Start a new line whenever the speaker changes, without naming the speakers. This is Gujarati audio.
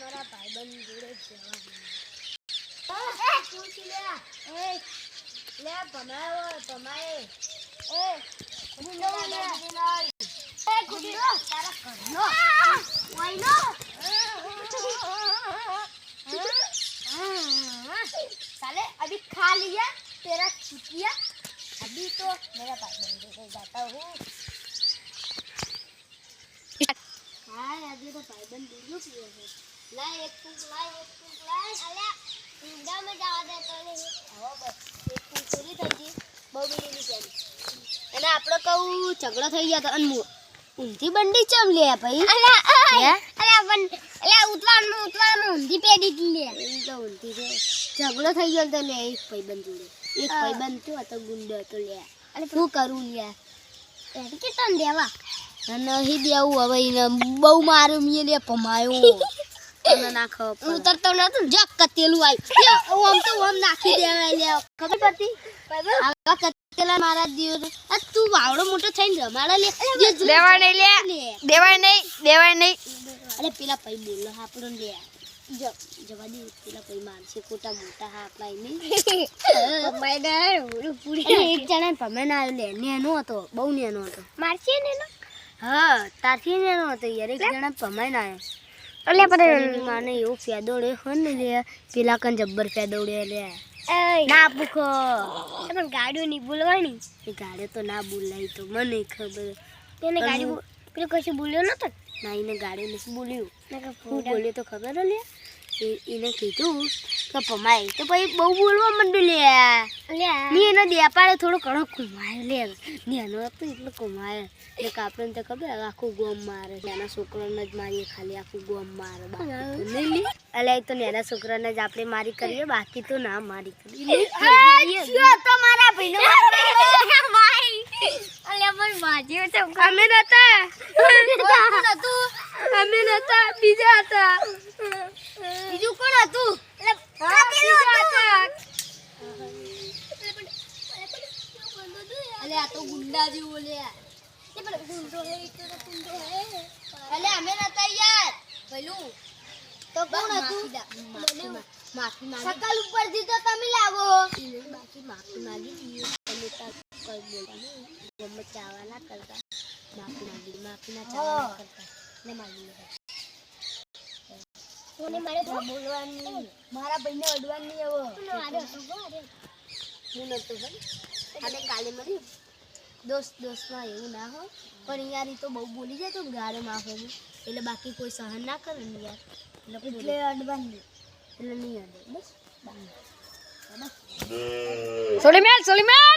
મારા ભાઈબંધ જોડે જવાનું પૂછી લે લે ભમાય ગુંડો લે ગુંડો તારા કરનો ઓયનો साले अभी खा लिया तेरा चुटिया अभी तो मेरा भाईबंध जोड़े जाता हूँ हाँ अभी तो भाईबंध दूध पिए है ला एक फूंक अल्या ઊંડા में जावा देतो नहीं हो बस एक फूंक पूरी થઈ ગઈ બહુ મિલી ની ચાલી અને આપણો કહું ઝઘડો થઈ ગયા તો અનમુ ઊંધી બંડી ચમ લે ભાઈ અલ્યા ઉતવાળમાં ઊંધી પેડી કી લે એ તો ઊંધી છે ઝઘડો થઈ ગયો તો લે એક ભાઈબંધ જોડે એક ભાઈબંધ તો હતો ગુંડો તો લે અને શું કરું લે એડી કે તન દેવા નહીં દેવું હવે એને બહુ મારું મે લે પમાયો તને નાખો ઉતરતો નતો જક કતેલું આઈ ઓમ તો ઓમ નાખી દેવાય લે ખબર પડતી ભાઈબંધ આ કતેલા મારા દીવ આ તું વાવડો મોટો થઈને રમાડા લે દેવાય નહીં અરે પેલા પઈ બોલો આપણો લે જવા દે પેલા પઈ મારશે કોટા મોટા હા આપલા નહીં માયદાર ઓલું પૂરી એક જણા પમેન આવ્યો લે નેનો હતો બહુ નેનો હતો મારશે નેનો હા તારથી નેનો હતો યાર એક જણા પમેન આવ્યો એટલે પણ માને એવો ફેદોડે હન લે પેલા કન જબ્બર ફેદોડે લે ના પૂખો પણ ગાડીઓ ની બોલવાની એ ગાડે તો ના બોલાય તો મને ખબર તેને ગાડી પેલો કશું બોલ્યો નતો ના એને ગાડી નથી બોલ્યું હું બોલ્યો તો ખબર લે એને કીધું કે પમાય તો પછી બહુ બોલવા માંડ્યું લે ની એનો દેપાડે થોડો ઘણો કુમાયો લે ની એનો તો એટલો કુમાયો એટલે આપણને તો ખબર આખું ગોમ મારે નાના છોકરાને જ મારીએ ખાલી આખું ગોમ મારે નહીં લે એટલે તો નાના છોકરાને જ આપણે મારી કરીએ બાકી તો ના મારી કરીએ તો મારા ભાઈનો અલ્યા પણ બાજીઓ છે અમે નતા બીજા હતા બીજું કોણ હતું અલે આ તો ગુંડા જેવો લે અલે અમે નતા યાર પેલું તો કોણ હતું માફી માંગી સકલ ઉપરથી તો તમે લાવો બાકી માફી માંગી દીધી તમે તા કોઈ બોલતા નહીં ગમે ચાવા ના કરતા માફી ના ચાવા કરતા ને માંગી કોને મારે બોલવાની મારા ભાઈને અડવાની આવો હું નતો ભાઈ અને કાલે મળી દોસ્તમાં એવું ના હોય પણ યાર ઈ તો બહુ બોલી જાય તો ગારે માફે એટલે બાકી કોઈ સહન ના કરે ને યાર એટલે અડવાની એટલે નહીં અડે બસ સોલી મેલ